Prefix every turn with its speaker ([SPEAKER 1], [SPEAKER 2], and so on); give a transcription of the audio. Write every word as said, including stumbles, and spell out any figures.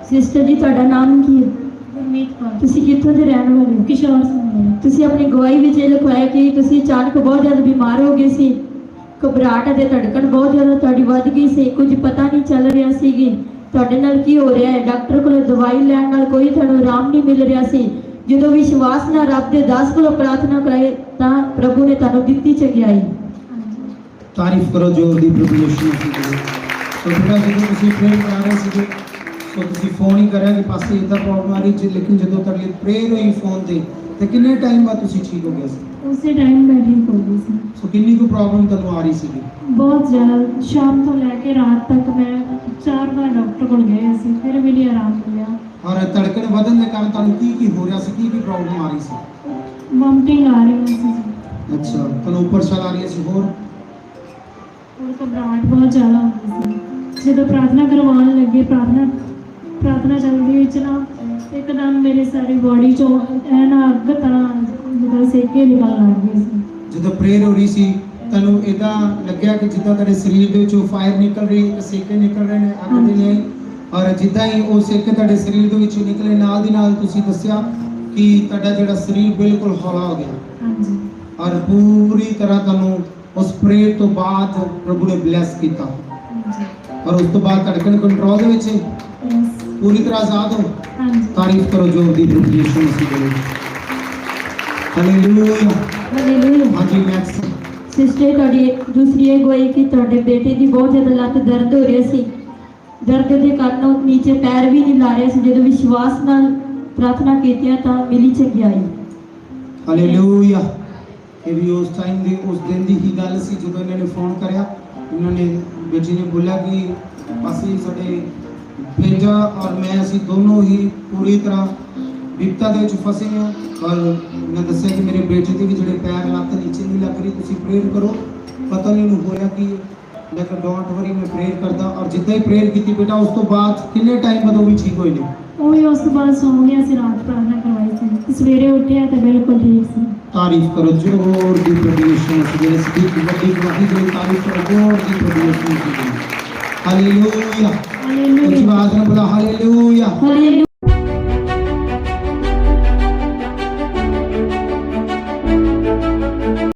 [SPEAKER 1] Sister ਜੀ ਤੁਹਾਡਾ ਨਾਮ ਕੀ ਹੈ?
[SPEAKER 2] ਗੁਰਮੀਤ ਕੌਰ।
[SPEAKER 1] ਤੁਸੀਂ ਕਿੱਥੋਂ ਦੇ ਰਹਿਣ ਵਾਲੇ ਹੋ?
[SPEAKER 2] ਕਿਸ਼ੋਰ ਸਿੰਘ।
[SPEAKER 1] ਤੁਸੀਂ ਆਪਣੀ ਗਵਾਹੀ ਵਿੱਚ ਇਹ ਲਿਖਵਾਇਆ ਕਿ ਤੁਸੀਂ ਅਚਾਨਕ ਬਹੁਤ ਜ਼ਿਆਦਾ ਬਿਮਾਰ ਹੋ ਗਏ ਸੀ, ਘਬਰਾਹਟ ਅਤੇ ਧੜਕਣ ਬਹੁਤ ਜ਼ਿਆਦਾ ਤੁਹਾਡੀ ਵੱਧ ਗਈ ਸੀ, ਕੁਝ ਪਤਾ ਨਹੀਂ ਚੱਲ ਰਿਹਾ ਸੀਗੀ ਤੁਹਾਡੇ ਨਾਲ ਕੀ ਹੋ ਰਿਹਾ ਹੈ। ਡਾਕਟਰ ਕੋਲੋਂ ਦਵਾਈ ਲੈਣ ਨਾਲ ਕੋਈ ਤੁਹਾਨੂੰ ਆਰਾਮ ਨਹੀਂ ਮਿਲ ਰਿਹਾ ਸੀ। ਜਦੋਂ ਵਿਸ਼ਵਾਸ ਨਾਲ ਰੱਬ ਦੇ ਦਾਸ ਕੋਲੋਂ ਪ੍ਰਾਰਥਨਾ ਕਰਾਏ ਤਾਂ ਪ੍ਰਭੂ ਨੇ ਤੁਹਾਨੂੰ ਦਿੱਤੀ ਚੰਗਿਆਈ।
[SPEAKER 3] ਤਾਰੀਫ ਕਰੋ ਜ਼ੋਰ ਦੀ ਪ੍ਰਭੂ ਯਿਸੂ ਮਸੀਹ ਦੀ। ਸੋ ਬੇਟਾ ਜਦੋਂ ਤੁਸੀਂ ਪ੍ਰੇਅਰ ਕਰ ਰਹੇ ਸੀਗੇ ਸੋ ਤੁਸੀਂ ਫੋਨ ਹੀ ਕਰਿਆ ਕਿ ਪਾਸੇ ਇਦਾਂ ਪ੍ਰੋਬਲਮ ਆ ਰਹੀ ਸੀ, ਲੇਕਿਨ ਜਦੋਂ ਤੁਹਾਡੀ ਪ੍ਰੇਅਰ ਹੋਈ ਫੋਨ ਤੇ ਤੇ ਕਿੰਨੇ ਟਾਈਮ ਬਾਅਦ ਤੁਸੀਂ ਠੀਕ ਹੋ ਗਏ ਸੀ?
[SPEAKER 2] ਉਸੇ ਟਾਈਮ ਮੈਂ ਠੀਕ ਹੋ ਗਈ ਸੀ।
[SPEAKER 3] ਸੋ ਕਿੰਨੀ ਕੁ ਪ੍ਰੋਬਲਮ ਤੁਹਾਨੂੰ ਆ ਰਹੀ ਸੀਗੀ?
[SPEAKER 2] ਬਹੁਤ ਜ਼ਿਆਦਾ। ਸ਼ਾਮ ਤੋਂ ਲੈ ਕੇ ਰਾਤ ਤੱਕ ਮੈਂ ਚਾਰ ਵਾਰ ਡਾਕਟਰ ਕੋਲ ਗਏ ਸੀ, ਫਿਰ ਵੀ ਨਹੀਂ ਆਰਾਮ ਮਿਲਿਆ।
[SPEAKER 3] ਔਰ ਧੜਕਣ ਵਧਣ ਦੇ ਕਾਰਨ ਤੁਹਾਨੂੰ ਕੀ ਕੀ ਹੋ ਰਿਹਾ ਸੀ, ਕੀ ਕੀ ਪ੍ਰੋਬਲਮ ਆ ਰਹੀ ਸੀ?
[SPEAKER 2] ਵੋਮਟਿੰਗ ਆ ਰਹੀ ਸੀ।
[SPEAKER 3] ਅੱਛਾ, ਤੁਹਾਨੂੰ ਉੱਪਰ ਛਾਲ ਆ ਰਹੀ ਸੀ, ਹੋਰ
[SPEAKER 2] ਹੋਰ ਘਬਰਾਹਟ ਬਹੁਤ ਜ਼ਿਆਦਾ ਹੁੰਦੀ ਸੀ। ਜਦੋਂ ਪ੍ਰਾਰਥਨਾ ਕਰਵਾਉਣ ਲੱਗੇ ਪ੍ਰਾਰਥਨਾ ਪ੍ਰਾਰਥਨਾ ਚੱਲਦੀ ਵਿੱਚ ਨਾ ਇੱਕਦਮ ਮੇਰੇ ਸਾਰੀ ਬੋਡੀ ਚੋਂ ਐ ਨਾ ਅੱਗ ਤਰ੍ਹਾਂ ਜਿੱਦਾਂ ਸੇਕੇ ਨਿਕਲਣ ਲੱਗ ਗਏ ਸੀ।
[SPEAKER 3] ਜਦੋਂ ਪ੍ਰੇਅਰ ਹੋ ਰਹੀ ਸੀ ਤੁਹਾਨੂੰ ਇਦਾਂ ਲੱਗਿਆ ਕਿ ਜਿੱਦਾਂ ਤੁਹਾਡੇ ਸਰੀਰ ਦੇ ਵਿੱਚੋਂ ਫਾਇਰ ਨਿਕਲ ਰਹੀ ਹੈ, ਸੇਕੇ ਨਿਕਲ ਰਹੇ ਨੇ, ਅੱਗ ਦੇ ਨੇ, ਔਰ ਜਿੱਦਾਂ ਹੀ ਉਹ ਸੇਕੇ ਤੁਹਾਡੇ ਸਰੀਰ ਦੇ ਵਿੱਚੋਂ ਨਿਕਲੇ ਨਾਲ ਦੀ ਨਾਲ ਤੁਸੀਂ ਦੱਸਿਆ ਕਿ ਤੁਹਾਡਾ ਜਿਹੜਾ ਸਰੀਰ ਬਿਲਕੁਲ ਹੌਲਾ ਹੋ ਗਿਆ।
[SPEAKER 2] ਹਾਂਜੀ।
[SPEAKER 3] ਔਰ ਪੂਰੀ ਤਰ੍ਹਾਂ ਤੁਹਾਨੂੰ ਉਸ ਪ੍ਰੇਅਰ ਤੋਂ ਬਾਅਦ ਪ੍ਰਭੂ ਨੇ ਬਲੈਸ ਕੀਤਾ।
[SPEAKER 2] ਹਾਂਜੀ।
[SPEAKER 3] ਔਰ ਉਸ ਤੋਂ ਬਾਅਦ ਧੜਕਣ ਕੰਟਰੋਲ ਦੇ ਵਿੱਚ
[SPEAKER 2] ਯੈਸ।
[SPEAKER 3] ਪੂਰੀ ਤਰ੍ਹਾਂ ਆਜ਼ਾਦ ਹੋ।
[SPEAKER 2] ਹਾਂਜੀ।
[SPEAKER 3] ਤਾਰੀਫ ਕਰੋ ਜੋ ਦੀ ਪ੍ਰਭੂ ਯਿਸੂ ਮਸੀਹ ਦੀ। ਹਾਲੇਲੂਇਆ।
[SPEAKER 1] ਹਾਲੇਲੂਇਆ।
[SPEAKER 3] ਹਾਂਜੀ ਨੈਕਸਟ।
[SPEAKER 1] ਸਿਸਟਰ ਤੁਹਾਡੀ ਦੂਸਰੀ ਇਹ ਗਵਾਹੀ ਕਿ ਤੁਹਾਡੇ ਬੇਟੇ ਦੀ ਬਹੁਤ ਜ਼ਿਆਦਾ ਲੱਤ ਦਰਦ ਹੋ ਰਹੀ ਸੀ, ਦਰਦ ਦੇ ਕਾਰਨ ਉਹ ਨੀਚੇ ਪੈਰ ਵੀ ਨਹੀਂ ਲਾ ਰਿਹਾ ਸੀ। ਜਦੋਂ ਵਿਸ਼ਵਾਸ ਨਾਲ ਪ੍ਰਾਰਥਨਾ ਕੀਤੀ ਤਾਂ ਮਿਲੀ ਚੰਗਿਆਈ।
[SPEAKER 3] ਹਾਲੇਲੂਇਆ। ਇਹ ਵੀ ਉਸ ਟਾਈਮ ਦੀ ਉਸ ਦਿਨ ਦੀ ਹੀ ਗੱਲ ਸੀ ਜਦੋਂ ਇਹਨਾਂ ਨੇ ਫੋਨ ਕਰਿਆ। ਇਹਨਾਂ ਨੇ ਬੇਟੀ ਨੇ ਬੋਲਿਆ ਕਿ ਅਸੀਂ ਸਾਡੇ ਭੇਜਾ ਔਰ ਮੈਂ ਅਸੀਂ ਦੋਨੋਂ ਹੀ ਪੂਰੀ ਤਰ੍ਹਾਂ ਵਿਪਤਾ ਦੇ ਵਿੱਚ ਫਸੇ ਹਾਂ। ਔਰ ਮੈਂ ਦੱਸਿਆ ਕਿ ਮੇਰੇ ਬੇਟੇ ਦੇ ਵੀ ਜਿਹੜੇ ਪੈਰ ਲੱਤ ਨੀਚੇ ਨਹੀਂ ਲੱਗ ਰਹੀ, ਤੁਸੀਂ ਪ੍ਰੇਅਰ ਕਰੋ। ਪਤਾ ਨਹੀਂ ਉਹਨੂੰ ਹੋਇਆ ਕਿ ਮੈਂ ਕਿਹਾ ਡੋਂਟ ਵਰੀ, ਮੈਂ ਪ੍ਰੇਅਰ ਕਰਦਾ। ਔਰ ਜਿੱਦਾਂ ਹੀ ਪ੍ਰੇਅਰ ਕੀਤੀ ਬੇਟਾ ਉਸ ਤੋਂ ਬਾਅਦ ਕਿੰਨੇ ਟਾਈਮ ਬਾਅਦ ਉਹ ਵੀ ਠੀਕ ਹੋਏ ਨੇ?
[SPEAKER 2] ਉਹ ਵੀ ਉਸ ਤੋਂ ਬਾਅਦ ਸੌਂ ਗਿਆ ਸੀ, ਰਾਤ ਪ੍ਰਾਰਥਨਾ ਕਰਵਾਈ ਸੀ, ਸਵੇਰੇ ਉੱਠਿਆ ਤਾਂ ਬਿਲਕੁਲ ਠੀਕ ਸੀ।
[SPEAKER 3] ਤਾਰੀਫ ਕਰੋ ਜ਼ੋਰ ਦੀ ਪ੍ਰਭੂ ਯਿਸੂ ਮਸੀਹ ਦੀ। ਸਦੀਕ ਵੱਡੀ ਵੱਡੀ ਜਿਹੜੀ ਤਾਰੀਫ ਕਰੋ ਜ਼ੋਰ ਦੀ ਪ੍ਰਭੂ ਯਿਸੂ ਮਸੀਹ ਦੀ। ਹਾਲੇਲੂਇਆ।
[SPEAKER 2] ਹਾਲੇਲੂਇਆ।
[SPEAKER 3] ਆਵਾਜ਼ ਨਾਲ ਬੋਲਾ ਹਾਲੇਲੂਇਆ।
[SPEAKER 1] ਹਾਲੇਲੂਇਆ।